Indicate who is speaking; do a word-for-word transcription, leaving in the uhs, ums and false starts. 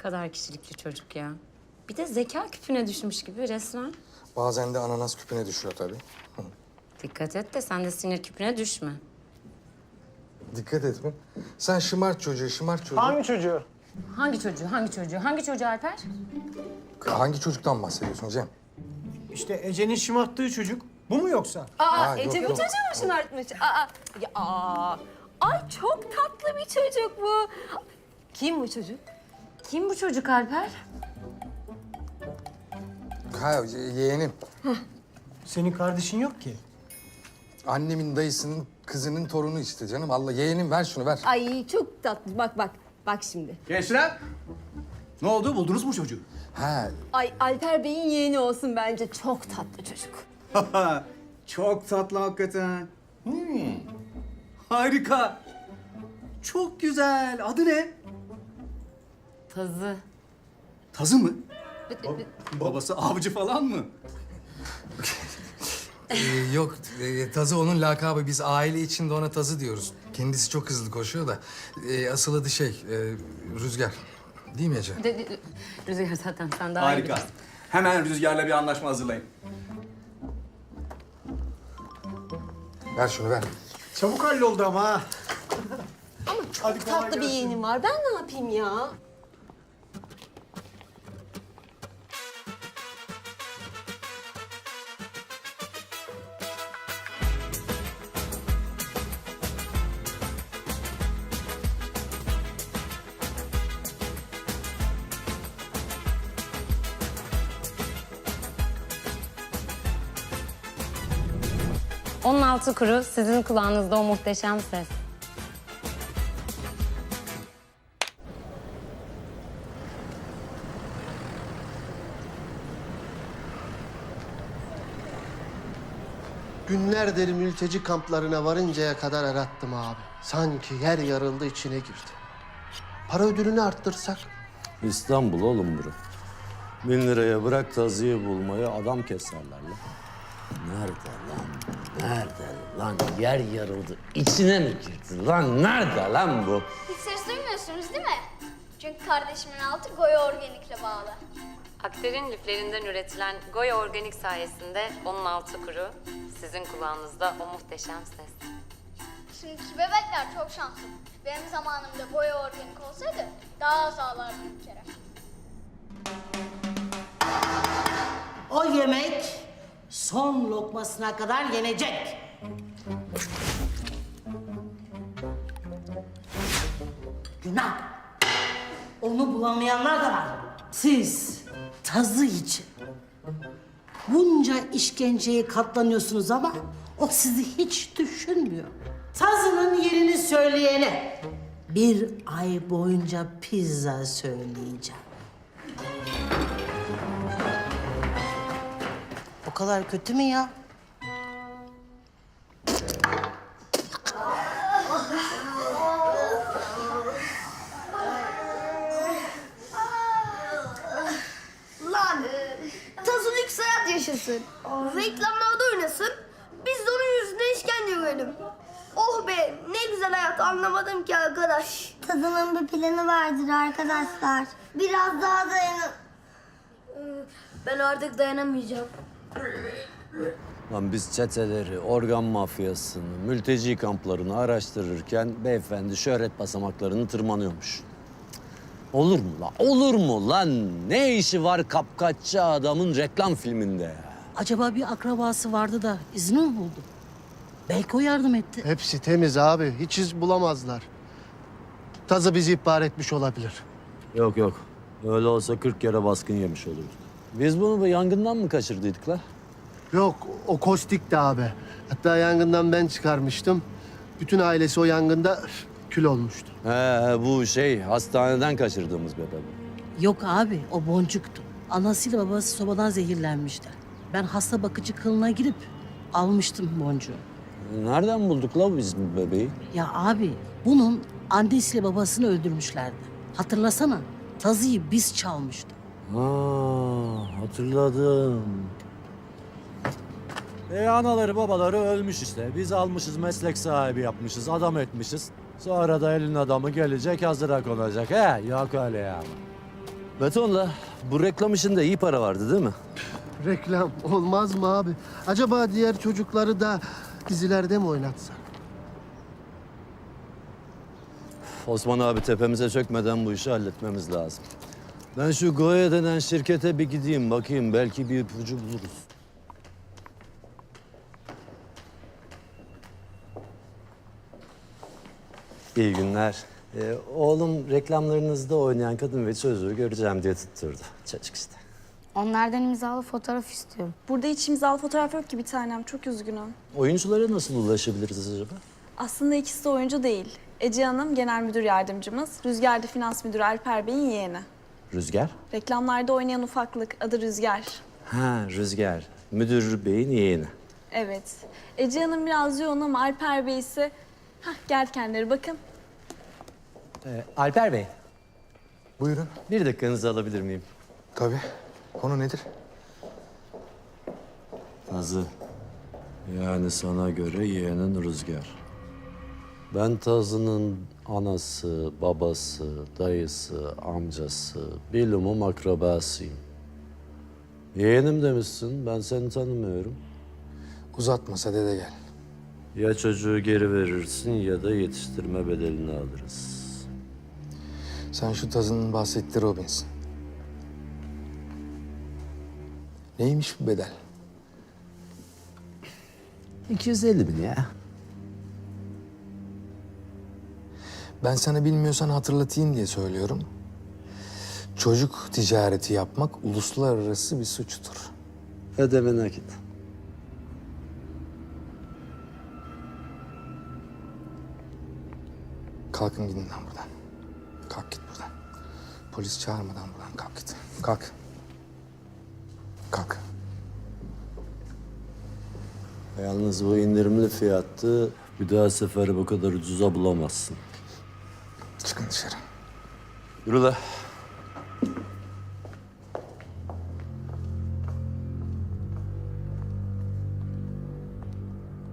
Speaker 1: kadar kişilikli çocuk ya. Bir de zeka küpüne düşmüş gibi resmen.
Speaker 2: Bazen de ananas küpüne düşüyor tabii.
Speaker 1: Dikkat et de sen de sinir küpüne düşme.
Speaker 2: Dikkat et mi? Sen şımart çocuğu, şımart çocuğu.
Speaker 3: Hangi çocuğu?
Speaker 1: Hangi çocuğu, hangi çocuğu, hangi çocuğu Alper?
Speaker 2: Hangi çocuktan bahsediyorsun Cem?
Speaker 3: İşte Ece'nin şımarttığı çocuk. Bu mu yoksa?
Speaker 4: Aa,
Speaker 2: Ha,
Speaker 4: Ece
Speaker 2: yok,
Speaker 4: bu
Speaker 2: yok.
Speaker 4: çocuğu mu şımartmış? Aa, ya, aa. Ay çok tatlı bir çocuk bu. Kim bu çocuk?
Speaker 1: Kim bu çocuk Alper?
Speaker 2: Ha, ye- yeğenim.
Speaker 3: Senin kardeşin yok ki.
Speaker 2: Annemin dayısının kızının torunu işte canım. Allah yeğenim ver şunu ver.
Speaker 4: Ay çok tatlı. Bak bak. Bak şimdi.
Speaker 5: Gençler, ne oldu? Buldunuz mu çocuğu?
Speaker 2: Ha,
Speaker 4: Ay Alper Bey'in yeğeni olsun bence. Çok tatlı çocuk.
Speaker 5: Çok tatlı hakikaten. Hmm. Harika. Çok güzel. Adı ne?
Speaker 1: Tazı.
Speaker 5: Tazı mı? Babası avcı falan mı?
Speaker 2: e, yok e, Tazı onun lakabı. Biz aile içinde ona Tazı diyoruz. Kendisi çok hızlı koşuyor da. E, asıl adı şey, e, Rüzgar. Değil mi Ece?
Speaker 1: De, de- Rüzgar zaten sen daha iyi
Speaker 5: Harika.
Speaker 1: bilirsin.
Speaker 5: Hemen Rüzgar'la bir anlaşma hazırlayın.
Speaker 2: Ver şunu ver.
Speaker 3: Çabuk halloldu ama ha.
Speaker 4: Ama çok
Speaker 3: Hadi kolay
Speaker 4: tatlı bir
Speaker 3: gelsin.
Speaker 4: yeğenim var. Ben ne yapayım ya?
Speaker 1: Onun altı kuru, sizin kulağınızda o muhteşem ses.
Speaker 6: Günlerdir mülteci kamplarına varıncaya kadar arattım abi. Sanki yer yarıldı içine girdi. Para ödülünü arttırsak?
Speaker 7: İstanbul oğlum bura. Bin liraya bırak tazıyı bulmayı adam keserler lan. Nerede lan? Nerede lan? Yer yarıldı. İçine mi girdi lan? Nerede lan bu?
Speaker 8: Hiç ses duymuyorsunuz değil mi? Çünkü kardeşimin altı Goya Organik'le bağlı.
Speaker 1: Aktar'ın liflerinden üretilen Goya Organik sayesinde onun altı kuru, sizin kulağınızda o muhteşem ses.
Speaker 8: Şimdiki bebekler çok şanslı. Benim zamanımda Goya Organik olsaydı daha az ağlardım bir kere.
Speaker 9: O yemek son lokmasına kadar yenecek. Günah. Onu bulamayanlar da var. Siz tazı için bunca işkenceye katlanıyorsunuz ama o sizi hiç düşünmüyor. Tazının yerini söyleyene bir ay boyunca pizza söyleyeceğim. O kadar kötü mü ya?
Speaker 8: Lan! Tazın lüks hayat yaşasın. Reklamlarda oynasın. Biz de onun yüzünden işkence görelim. Oh be! Ne güzel hayat anlamadım ki arkadaş.
Speaker 10: Tadının bir planı vardır arkadaşlar. Biraz daha dayanın.
Speaker 8: Ben artık dayanamayacağım.
Speaker 7: Lan biz çeteleri, organ mafyasını, mülteci kamplarını araştırırken beyefendi şöhret basamaklarını tırmanıyormuş. Olur mu lan? Olur mu lan? Ne işi var kapkaççı adamın reklam filminde ya?
Speaker 9: Acaba bir akrabası vardı da izni mi buldu? Belki o yardım etti.
Speaker 6: Hepsi temiz abi. Hiç iz bulamazlar. Tazı bizi ihbar etmiş olabilir.
Speaker 7: Yok yok. Öyle olsa kırk kere baskın yemiş olurduk. Biz bunu bu yangından mı kaçırdıydık la?
Speaker 6: Yok, o kostikti abi. Hatta yangından ben çıkarmıştım. Bütün ailesi o yangında üf, kül olmuştu.
Speaker 7: He bu şey hastaneden kaçırdığımız bebe bu.
Speaker 9: Yok abi, o boncuktu. Anasıyla babası sobadan zehirlenmişler. Ben hasta bakıcı kılına girip almıştım boncuğu.
Speaker 7: Nereden bulduk la biz bu bebeği?
Speaker 9: Ya abi, bunun annesiyle babasını öldürmüşlerdi. Hatırlasana, tazıyı biz çalmıştık.
Speaker 7: Ha hatırladım. E anaları babaları ölmüş işte. Biz almışız meslek sahibi yapmışız, adam etmişiz. Sonra da elin adamı gelecek hazıra konacak. He yok öyle ya. Betonla bu reklam işinde iyi para vardı değil mi?
Speaker 6: Reklam olmaz mı abi? Acaba diğer çocukları da dizilerde mi oynatsak?
Speaker 7: Osman abi tepemize çökmeden bu işi halletmemiz lazım. Ben şu Goya denen şirkete bir gideyim bakayım. Belki bir ipucu buluruz. İyi günler. Ee, oğlum reklamlarınızda oynayan kadın ve çocuğu göreceğim diye tutturdu. Çocuk işte.
Speaker 10: Onlardan imzalı fotoğraf istiyorum.
Speaker 11: Burada hiç imzalı fotoğraf yok ki bir tanem. Çok üzgünüm.
Speaker 7: Oyunculara nasıl ulaşabiliriz acaba?
Speaker 11: Aslında ikisi de oyuncu değil. Ece Hanım genel müdür yardımcımız. Rüzgar da finans müdürü Alper Bey'in yeğeni.
Speaker 7: Rüzgar?
Speaker 11: Reklamlarda oynayan ufaklık. Adı Rüzgar.
Speaker 7: Ha Rüzgar. Müdür beyin yeğeni.
Speaker 11: Evet. Ece Hanım biraz yoğun ama Alper Bey ise... Hah gel kendileri bakın.
Speaker 7: Ee, Alper Bey,
Speaker 2: Buyurun.
Speaker 7: bir dakikanızı alabilir miyim?
Speaker 2: Tabii. Konu nedir?
Speaker 7: Tazı. Yani sana göre yeğenin Rüzgar. Ben Tazı'nın anası, babası, dayısı, amcası, bilumum akrabasıyım. Yeğenim demişsin, ben seni tanımıyorum.
Speaker 2: Uzatmasa dede gel.
Speaker 7: Ya çocuğu geri verirsin ya da yetiştirme bedelini alırız.
Speaker 2: Sen şu tazının bahsettiği Robbins. Neymiş bu bedel?
Speaker 7: iki yüz elli bin ya.
Speaker 2: Ben sana bilmiyorsan hatırlatayım diye söylüyorum. Çocuk ticareti yapmak uluslararası bir suçtur.
Speaker 7: Ödeme nakit.
Speaker 2: Kalkın gidin lan buradan. Kalk git buradan. Polis çağırmadan buradan kalk git. Kalk. Kalk.
Speaker 7: Yalnız bu indirimli fiyattı. Bir daha seferi bu kadar ucuza bulamazsın.
Speaker 2: Çıkın dışarı.
Speaker 7: Yürü la.